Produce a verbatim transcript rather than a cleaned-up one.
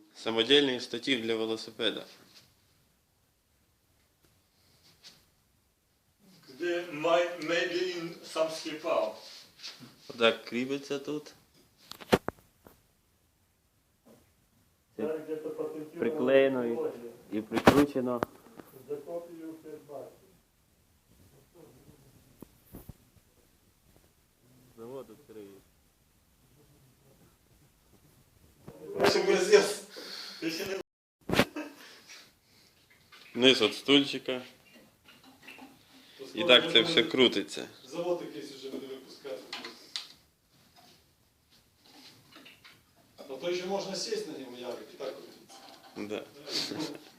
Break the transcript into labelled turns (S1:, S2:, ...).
S1: Самодільний штатив для велосипеда.
S2: Де maybe in some Skipau.
S1: Отак кріпиться тут. Приклеєно і, і прикручено. Завод відкриє. Низ від стульчика. І так це все крутиться.
S3: Завод якийсь вже буде випускати. А то ще можна сісти на ньому, Ярик, і так крутиться.
S1: Да.